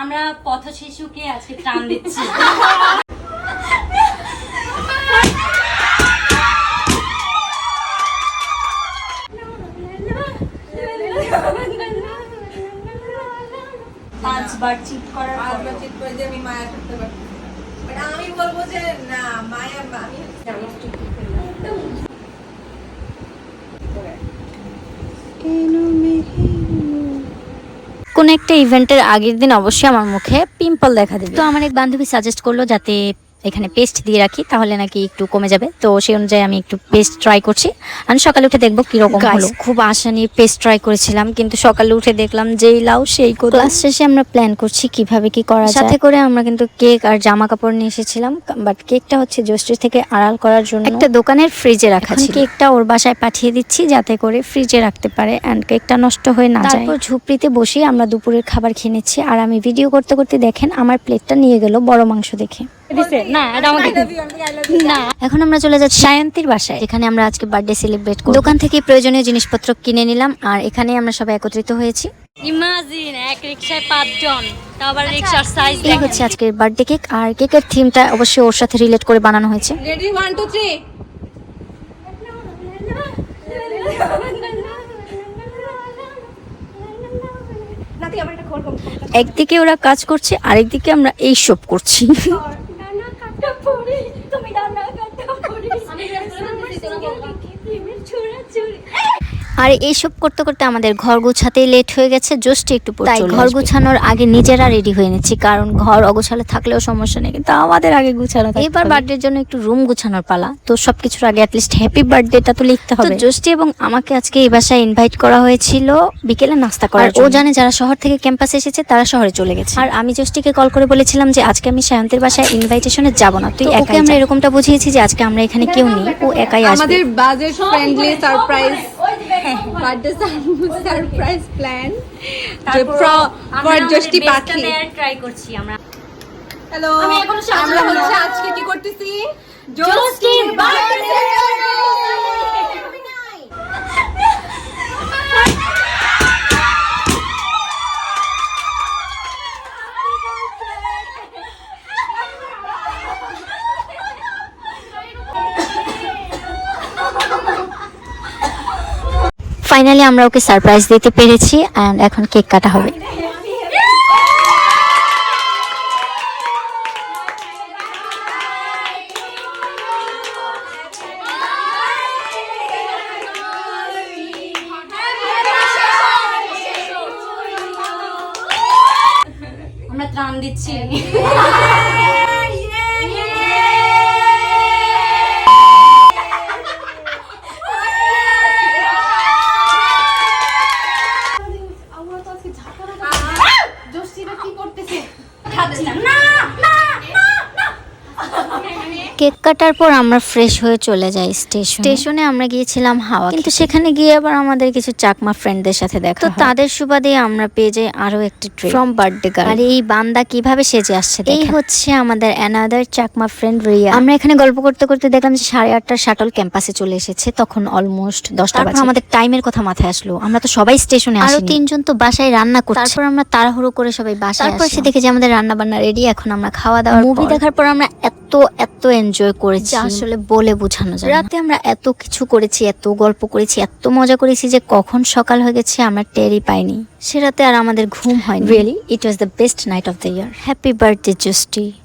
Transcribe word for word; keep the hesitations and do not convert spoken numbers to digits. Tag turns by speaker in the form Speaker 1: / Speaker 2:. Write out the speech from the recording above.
Speaker 1: আমরা পথ শিশুকে আজকে ত্রাণ দিচ্ছি। পাঁচবার চিট করার
Speaker 2: পাঁচবার চিট করে যে আমি মায়া করতে পারি, বাট আমি বলবো যে না মায়া আমি
Speaker 1: কোন একটা ইভেন্টের আগের দিন অবশ্যই আমার মুখে পিম্পল দেখা দিবে। তো আমার এক বান্ধবী সাজেস্ট করলো যাতে এখানে পেস্ট দিয়ে রাখি, তাহলে নাকি একটু কমে যাবে। তো সেই অনুযায়ী আমি একটু পেস্ট ট্রাই করছি। আমি সকালে উঠে দেখবো কিরকম হলো। খুব আশা নিয়ে পেস্ট ট্রাই করেছিলাম, কিন্তু সকালে উঠে দেখলাম যেই লাউ সেই কোথাও। ক্লাস শেষে আমরা প্ল্যান করছি কিভাবে কি করা যায়। সাথে করে আমরা কিন্তু কেক আর জামা কাপড় নিয়ে এসেছিলাম, বাট কেকটা হচ্ছে জোস্ট্রি থেকে আড়াল করার জন্য একটা দোকানের ফ্রিজে রাখা ছিল। কেকটা ওর বাসায় পাঠিয়ে দিচ্ছি যাতে করে ফ্রিজে রাখতে পারে এন্ড কেকটা নষ্ট হয়ে না যায়। তারপর ঝুপড়িতে বসে আমরা দুপুরের খাবার খেয়ে নিচ্ছি। আর আমি ভিডিও করতে করতে দেখেন আমার প্লেটটা নিয়ে গেল বড় মাংস দেখে। এখন আমরা চলে যাচ্ছি সায়ন্তীর বাসায়, যেখানে আমরা আজকে বার্থডে সেলিব্রেট করব। দোকান থেকে প্রয়োজনীয় জিনিসপত্র কিনে নিলাম আর এখানে আমরা সবাই একত্রিত হয়েছি।
Speaker 3: ইমাজিন এক রিকশায় পাঁচজন, তাও আবার রিকশার সাইজ।
Speaker 1: এই হচ্ছে আজকের বার্থডে কেক, আর কেকের থিমটা অবশ্যই ওর সাথে রিলেট করে বানানো হয়েছে।
Speaker 2: Ready one two three.
Speaker 1: একদিকে ওরা কাজ করছে, আরেকদিকে আমরা এই সব করছি। আর এইসব করতে করতে আমাদের ঘর গোছাতেই লেট হয়ে গেছে, জাস্ট একটু পর তাই ঘর গোছানোর আগে নিজেরা রেডি হয়ে নিচ্ছি, কারণ ঘর অগোছালে থাকলেও সমস্যা নেই, কিন্তু আমাদের আগে গুছানো। এবার বার্থডের জন্য একটু রুম গোছানোর পালা, তো সবকিছুর আগে অ্যাটলিস্ট হ্যাপি বার্থডেটা তো লিখতে হবে। জোস্টি এবং আমাকে আজকে এই বাসায় ইনভাইট করা হয়েছিল বিকেলে নাস্তা করার জন্য। ও জানে যারা শহর থেকে ক্যাম্পাসে এসেছে তারা শহরে চলে গেছে, আর আমি জোস্টিকে কল করে বলেছিলাম যে আজকে আমি সায়ন্তীর বাসায় ইনভাইটেশনে যাব না, তুই একাই। আমরা এরকমটা বুঝিয়েছি যে আজকে আমরা এখানে কেউ নেই, ও একাই আসবে।
Speaker 2: আমাদের budget friendly surprise birthday surprise plan যে ফর জোস্টি পাখি
Speaker 3: ট্রাই করছি আমরা।
Speaker 2: হ্যালো, আমরা হচ্ছে আজকে কি করতেছি?
Speaker 3: জোস্টির বার্থডে।
Speaker 1: ফাইনালি আমরা ওকে সারপ্রাইজ দিতে পেরেছি এন্ড এখন কেক কাটা হবে।
Speaker 3: আমরা ত্রাণ দিচ্ছি।
Speaker 1: কেক কাটার পর আমরা ফ্রেশ হয়ে চলে যাই স্টেশন। স্টেশনে আমরা গিয়েছিলাম হাওয়া, কিন্তু সেখানে গিয়ে আবার আমাদের কিছু চাকমা ফ্রেন্ডদের সাথে দেখা, তো তাদের সুবাদে আমরা পেয়ে যাই আরো একটি ট্রিট ফ্রম বার্থডে গার্ল। আর এই বান্দা কিভাবে সেজে আসছে, এই হচ্ছে আমাদের অ্যানাদার চাকমা ফ্রেন্ড রিয়া। আমরা এখানে গল্প করতে করতে দেখলাম যে সাড়ে আটটার শাটল ক্যাম্পাসে চলে এসেছে, তখন অলমোস্ট দশটা বাজে। আমাদের টাইমের কথা মাথায় আসলো, আমরা তো সবাই স্টেশনে আসি, আরো তিনজন তো বাসায় রান্না করছে। তারপর আমরা তাড়াহুড়ো করে সবাই বাসায়, তারপর সে দেখে যে আমাদের রান্না বান্না রেডি। এখন আমরা খাওয়া দাওয়া মুভি দেখার পর আমরা এত এত এনজয় করেছি আসলে বলে বোঝানো যায় না। রাতে আমরা এত কিছু করেছি, এত গল্প করেছি, এত মজা করেছি যে কখন সকাল হয়ে গেছে আমরা টেরই পাইনি। সে রাতে আর আমাদের ঘুম হয়নি। Really it was the best night of the year. Happy birthday জোস্টি।